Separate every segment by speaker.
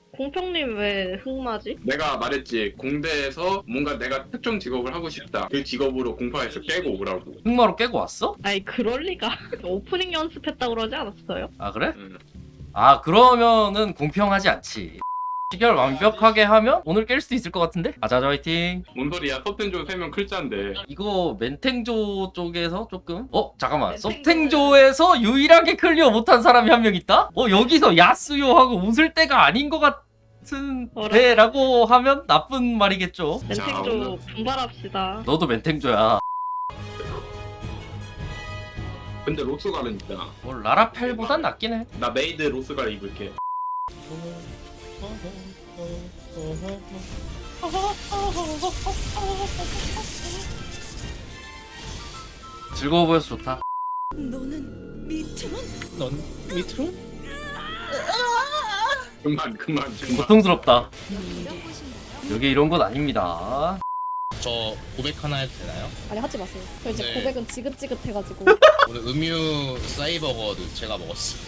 Speaker 1: 공평님 왜 흑마지?
Speaker 2: 내가 말했지, 공대에서 뭔가 내가 특정 직업을 하고 싶다. 그 직업으로 공파에서 깨고 오라고.
Speaker 3: 흑마로 깨고 왔어?
Speaker 1: 아니 그럴 리가. 오프닝 연습했다 그러지 않았어요?
Speaker 3: 아 그래?
Speaker 2: 응.
Speaker 3: 아 그러면은 공평하지 않지. 시결 완벽하게 하면 오늘 깰 수도 있을 것 같은데? 아자자 화이팅.
Speaker 2: 뭔 소리야? 서텐조 3명 클자인데.
Speaker 3: 이거 멘탱조 쪽에서 조금 잠깐만
Speaker 1: 멘탱조는-
Speaker 3: 서탱조에서 유일하게 클리어 못한 사람이 한 명 있다? 여기서 야스요하고 웃을 때가 아닌 것 같은 데라고 하면 나쁜 말이겠죠.
Speaker 1: 멘탱조 분발합시다.
Speaker 3: 너도 멘탱조야.
Speaker 2: 근데 로스갈은 있잖아.
Speaker 3: 뭐 라라펠보단 낫긴 해.
Speaker 2: 나 메이드 로스갈 입을게.
Speaker 3: 즐거워 보여서 좋다.
Speaker 4: 너는 밑으로?
Speaker 5: 넌 밑으로?
Speaker 2: 그만.
Speaker 3: 고통스럽다. 여기 이런 건 아닙니다.
Speaker 5: 저 고백 하나 해도 되나요?
Speaker 6: 아니 하지 마세요. 저 이제
Speaker 5: 네.
Speaker 6: 고백은 지긋지긋해가지고.
Speaker 5: 오늘 음유 사이버거를 제가 먹었어.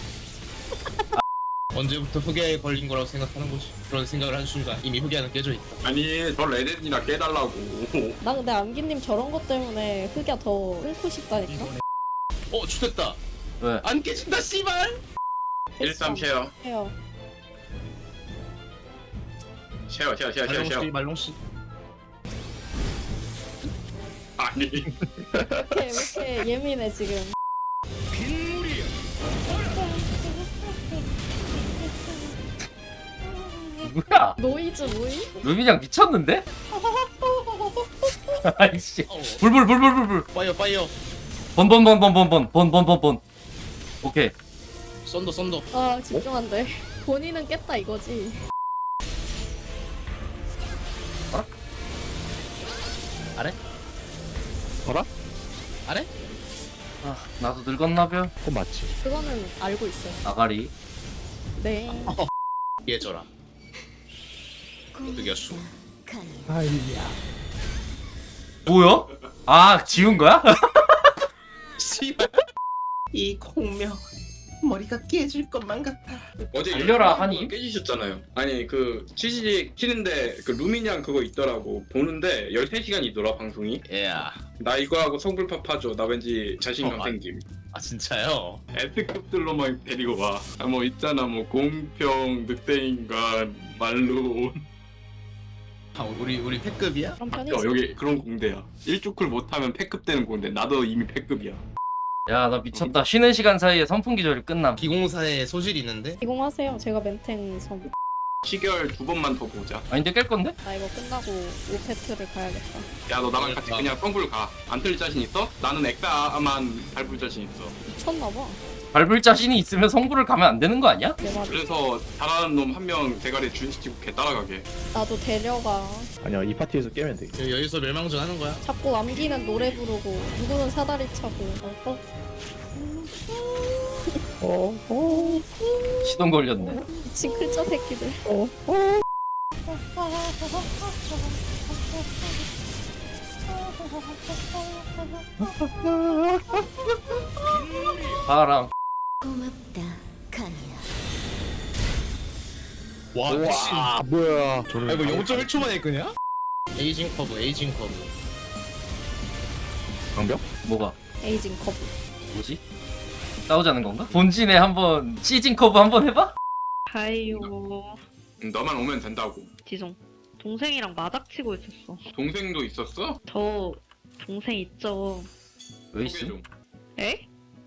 Speaker 5: 언제부터 흑야에 걸린 거라고 생각하는 거지? 그런 생각을 한 순간 이미 흑야는 깨져 있다.
Speaker 2: 아니, 저 레덴이나 깨달라고.
Speaker 6: 나 근데 암기님 저런 것 때문에 흑야 더 끊고 싶다니까.
Speaker 5: 죽됐다.
Speaker 3: 왜?
Speaker 5: 안 깨진다 씨발.
Speaker 2: 13 쉐어.
Speaker 6: 해요.
Speaker 2: 쉐어.
Speaker 5: 말롱 씨.
Speaker 2: 아니.
Speaker 6: 왜 이렇게 예민해 지금.
Speaker 3: 누구야?
Speaker 6: 노이즈 뭐이?
Speaker 3: 루빈양 미쳤는데? 아이씨. 불.
Speaker 5: 파이어.
Speaker 3: 번. 오케이.
Speaker 5: 썬더.
Speaker 6: 아 집중한데. 본인은 깼다 이거지.
Speaker 5: 아래?
Speaker 7: 어라?
Speaker 5: 아래?
Speaker 3: 아, 나도 늙었나벼?
Speaker 7: 그건 맞지.
Speaker 6: 그거는 알고 있어요.
Speaker 3: 아가리.
Speaker 6: 네.
Speaker 5: 예져라. 흑야수.
Speaker 7: 아이야.
Speaker 3: 뭐야? 아, 지운 거야?
Speaker 5: 씨발. 이 공명 머리가 깨질 것만 같아.
Speaker 2: 어제
Speaker 3: 달려라,
Speaker 2: 유튜브
Speaker 3: 하니?
Speaker 2: 깨지셨잖아요. 아니, 그 취직 키는데 그 루미냥 그거 있더라고. 보는데 13시간이더라 방송이.
Speaker 5: 야.
Speaker 2: 나 이거 하고 성불파 파줘. 나 왠지 자신감
Speaker 5: 아.
Speaker 2: 생김.
Speaker 5: 아 진짜요?
Speaker 2: S급들로만 데리고 와. 뭐 있잖아, 뭐 공평, 늑대인간, 말로.
Speaker 5: 우리 패급이야?
Speaker 6: 그럼 편히.
Speaker 2: 여기 그런 공대야. 1주쿨 못하면 패급 되는 공대. 나도 이미 패급이야.
Speaker 3: 야, 나 미쳤다. 쉬는 시간 사이에 선풍 기절이 끝남.
Speaker 5: 기공사에 소질이 있는데?
Speaker 6: 기공하세요. 제가 멘탱 섬.
Speaker 2: 시결 2번만 더 보자.
Speaker 3: 아닌데 깰 건데?
Speaker 6: 나 이거 끝나고 오페트를 가야겠다.
Speaker 2: 야, 너 나랑 같이 그냥 성불 가. 안 틀릴 자신 있어? 나는 엑사만 밟을 자신 있어.
Speaker 6: 미쳤나봐.
Speaker 3: 밟을 자신이 있으면 성부를 가면 안 되는 거 아니야?
Speaker 6: 내 말이.
Speaker 2: 그래서 잘하는 놈 한 명 대가리에 준시키고 걔 따라가게.
Speaker 6: 나도 데려가.
Speaker 7: 아니야, 이 파티에서 깨면 돼.
Speaker 5: 여기서 멸망전 하는 거야?
Speaker 6: 자꾸 암기는 노래 부르고 누구는 사다리 차고.
Speaker 3: 시동 걸렸네.
Speaker 6: 미친 클자 새끼들.
Speaker 3: 바람.
Speaker 4: 고맙다, 카니야.
Speaker 5: 와 미친.
Speaker 7: 와, 뭐야.
Speaker 5: 아 이거 0.1초 만에 끄냐? 에이징 커브.
Speaker 7: 방벽?
Speaker 3: 뭐가?
Speaker 6: 에이징 커브.
Speaker 3: 뭐지? 싸우자는 건가? 본진에 한번 시즌 커브 한번 해봐?
Speaker 1: 하이요.
Speaker 2: 너만 오면 된다고.
Speaker 1: 지송. 동생이랑 마닥치고 있었어.
Speaker 2: 동생도 있었어?
Speaker 1: 저 동생 있죠.
Speaker 3: 왜
Speaker 2: 소개
Speaker 3: 있어?
Speaker 2: 좀.
Speaker 1: 에?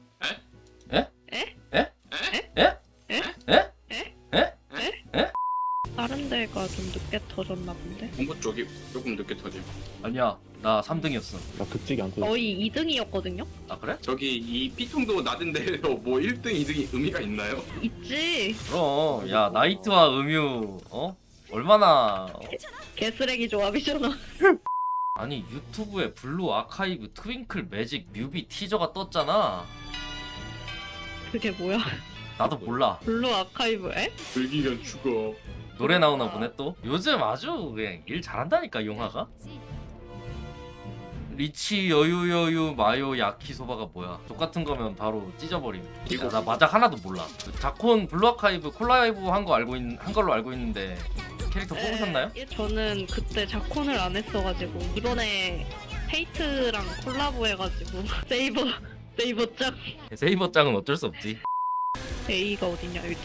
Speaker 1: 다른 데가 좀 늦게 터졌나 본데?
Speaker 2: 공부 쪽이 조금 늦게 터짐.
Speaker 3: 아니야, 나 3등이었어.
Speaker 7: 나 극직이 안 터져.
Speaker 1: 거의 2등이었거든요?
Speaker 3: 아 그래?
Speaker 2: 저기 이 피통도 낮은 데에서 뭐 1등, 2등이 의미가 있나요?
Speaker 1: 있지.
Speaker 3: 그럼 야 나이트와 음유 얼마나
Speaker 1: 개쓰레기 조합이잖아.
Speaker 3: 아니 유튜브에 블루 아카이브 트윙클 매직 뮤비 티저가 떴잖아.
Speaker 1: 그게 뭐야?
Speaker 3: 나도 몰라.
Speaker 1: 블루 아카이브에?
Speaker 2: 즐기면 죽어.
Speaker 3: 노래 나오나 보네 또. 요즘 아주 그냥 일 잘한다니까 용화가. 리치 여유 마요 야키소바가 뭐야? 똑같은 거면 바로 찢어버림. 야, 나 마작 하나도 몰라. 그 자콘 블루아카이브 콜라이브 한 걸로 알고 있는데 캐릭터 뽑으셨나요?
Speaker 1: 예, 저는 그때 자콘을 안 했어가지고 이번에 헤이트랑 콜라보 해가지고 세이버 짱.
Speaker 3: 세이버 짱은 어쩔 수 없지.
Speaker 1: A가 어딨냐 여기다.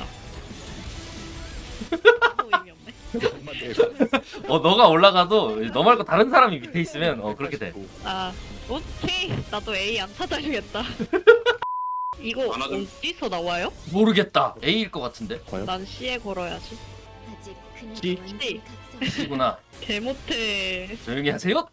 Speaker 1: 아무 의미 없네.
Speaker 3: 너가 올라가도 너 말고 다른 사람이 밑에 있으면 그렇게 돼.
Speaker 1: 아 오케이 나도 A 안 찾아주겠다. 이거
Speaker 2: 안 하죠.
Speaker 1: 어디서 나와요?
Speaker 3: 모르겠다. A일 것 같은데.
Speaker 7: 과연?
Speaker 1: 난 C에 걸어야지.
Speaker 4: 아직
Speaker 7: 찌.
Speaker 4: 그녀도 완전히 각성.
Speaker 3: C구나.
Speaker 1: 개 못해.
Speaker 3: 조용히 하세요.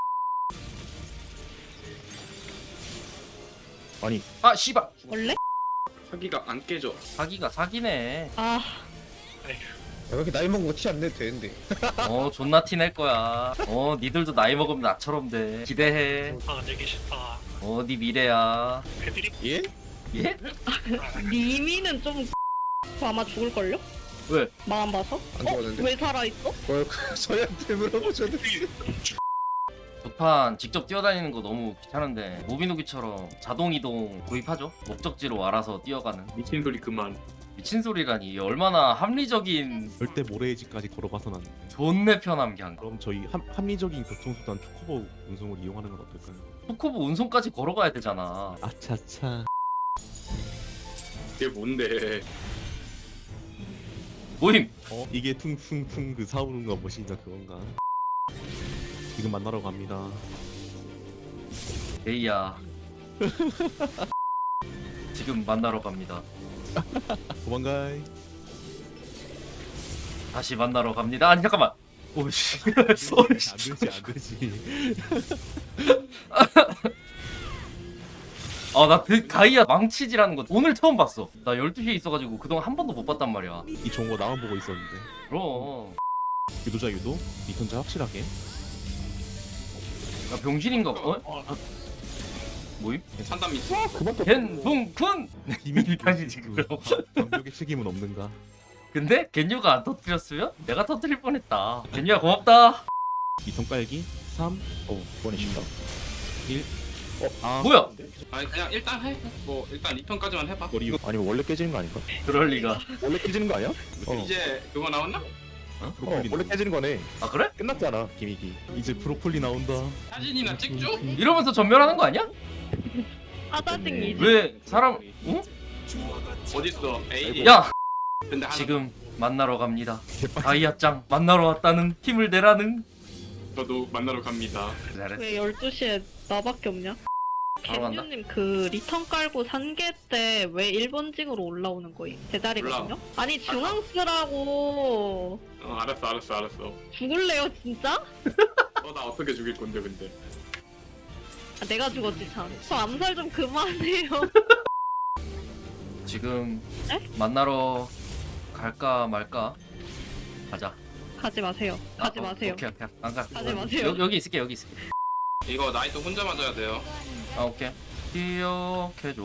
Speaker 7: 아니
Speaker 3: 아 씨발.
Speaker 1: 원래?
Speaker 2: 사기가 안 깨져.
Speaker 3: 사기가 사기네.
Speaker 1: 아
Speaker 8: 그렇게 나이 먹은 거 티 안 내도 되는데.
Speaker 3: 존나 티 낼 거야. 니들도 나이 먹으면 나처럼 돼. 기대해.
Speaker 9: 아, 내기 싫다.
Speaker 3: 네 미래야.
Speaker 9: 애들이
Speaker 8: 예?
Speaker 3: 예?
Speaker 1: 니미는 좀 아마 죽을걸요?
Speaker 3: 왜?
Speaker 1: 마음 봐서?
Speaker 8: 안 죽었는데.
Speaker 1: 왜 살아있어?
Speaker 8: 뭘 서현한테 물어보셔도.
Speaker 3: 두판 직접 뛰어다니는 거 너무 귀찮은데 모비노기처럼 자동 이동 구입하죠. 목적지로 알아서 뛰어가는.
Speaker 2: 미친 소리 그만.
Speaker 3: 미친 소리라니. 이게 얼마나 합리적인
Speaker 10: 절대 모래의지까지 걸어봐선 안 돼.
Speaker 3: 존내 편함 그냥.
Speaker 10: 그럼 저희 합리적인 교통수단 초코보 운송을 이용하는 건 어떨까요?
Speaker 3: 초코보 운송까지 걸어가야 되잖아.
Speaker 10: 아차차.
Speaker 2: 그게 뭔데?
Speaker 3: 모임.
Speaker 10: 이게 퉁퉁퉁 그 사우른가 뭐신가 그건가? 지금 만나러 갑니다.
Speaker 3: 에이야. 지금 만나러 갑니다.
Speaker 10: 도망가이.
Speaker 3: 다시 만나러 갑니다. 아니 잠깐만. 오씨. 쏘리.
Speaker 10: 안 되지 안 되지.
Speaker 3: 나 가이아 망치질하는 거 오늘 처음 봤어. 나 12시에 있어가지고 그동안 한 번도 못 봤단 말이야.
Speaker 10: 이 좋은 거 나만 보고 있었는데.
Speaker 3: 그럼.
Speaker 10: 유도자 유도, 리턴자 확실하게.
Speaker 3: 나 병신인가 봐. 모임?
Speaker 2: 산담 있어.
Speaker 7: 그만 또
Speaker 3: 겐붕쿤!
Speaker 10: 비밀
Speaker 3: 다시 지금.
Speaker 10: 방벽의 책임은 없는가?
Speaker 3: 근데 겐유가 안 터뜨렸으면 내가 터뜨릴 뻔했다. 겐유야 고맙다.
Speaker 10: 리턴 깔기 3,
Speaker 7: 이번에 쉽다
Speaker 10: 1. 아
Speaker 3: 뭐야?
Speaker 2: 아니 그냥 일단 해. 뭐 일단 리턴까지만 해봐.
Speaker 10: 머리
Speaker 7: 아니면 원래 깨지는 거 아닌가?
Speaker 3: 그럴 리가.
Speaker 7: 원래 깨지는 거 아니야?
Speaker 2: 이제 그거 나왔나?
Speaker 10: 브로콜리
Speaker 7: 원래 깨지는 거네.
Speaker 3: 아 그래?
Speaker 7: 끝났잖아 기믹이.
Speaker 10: 이제 브로콜리 나온다.
Speaker 2: 사진이나 찍죠?
Speaker 3: 이러면서 전멸하는 거 아니야?
Speaker 1: 하다증이지.
Speaker 3: 왜 사람? 응?
Speaker 2: 어딨어? 에이.
Speaker 3: 야
Speaker 2: 근데 하나
Speaker 3: 지금 만나러 갑니다. 가이아짱 만나러 왔다는 힘을 내라는.
Speaker 2: 저도 만나러 갑니다.
Speaker 3: 잘했어.
Speaker 1: 왜 12시에 나밖에 없냐?
Speaker 3: 바로 간다.
Speaker 1: 겐유님 그 리턴 깔고 산계 때 왜 1번징으로 올라오는 거임? 제자리거든요? 아니 중앙 쓰라고.
Speaker 2: 알았어.
Speaker 1: 죽을래요 진짜?
Speaker 2: 나 어떻게 죽일 건데 근데?
Speaker 1: 아, 내가 죽었지 참. 저 암살 좀 그만해요.
Speaker 3: 지금
Speaker 1: 에?
Speaker 3: 만나러 갈까 말까? 가자.
Speaker 1: 가지 마세요. 가지 마세요.
Speaker 3: 오케이. 안 가.
Speaker 1: 가지 마세요.
Speaker 3: 여기 있을게.
Speaker 2: 이거 나이트 혼자 맞아야 돼요.
Speaker 3: 아 오케이. 기억해줘.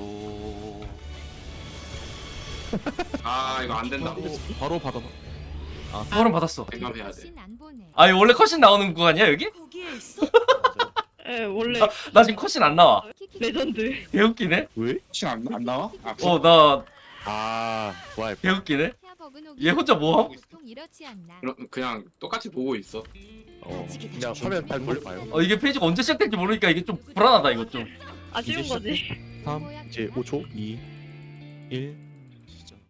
Speaker 2: 아 이거 안 된다.
Speaker 10: 바로 받아.
Speaker 3: 벌은 받았어.
Speaker 2: 생각해야 돼.
Speaker 3: 아니 원래 컷신 나오는 구간이야 여기?
Speaker 4: 거기에 있어?
Speaker 1: 예, 원래
Speaker 3: 나 지금 컷신 안 나와.
Speaker 1: 레전드.
Speaker 3: 개웃기네.
Speaker 7: 왜?
Speaker 2: 안 나와?
Speaker 3: 나
Speaker 7: 좋아요.
Speaker 3: 개웃기네. 얘 혼자 뭐 하고 있어?
Speaker 2: 그냥 똑같이 보고 있어.
Speaker 7: 그냥 화면 잘 돌려봐요.
Speaker 3: 이게 페이지가 언제 시작될지 모르니까 이게 좀 불안하다 이거 좀.
Speaker 1: 아쉬운 거지.
Speaker 10: 3,
Speaker 7: 이제 5초.
Speaker 10: 2, 1.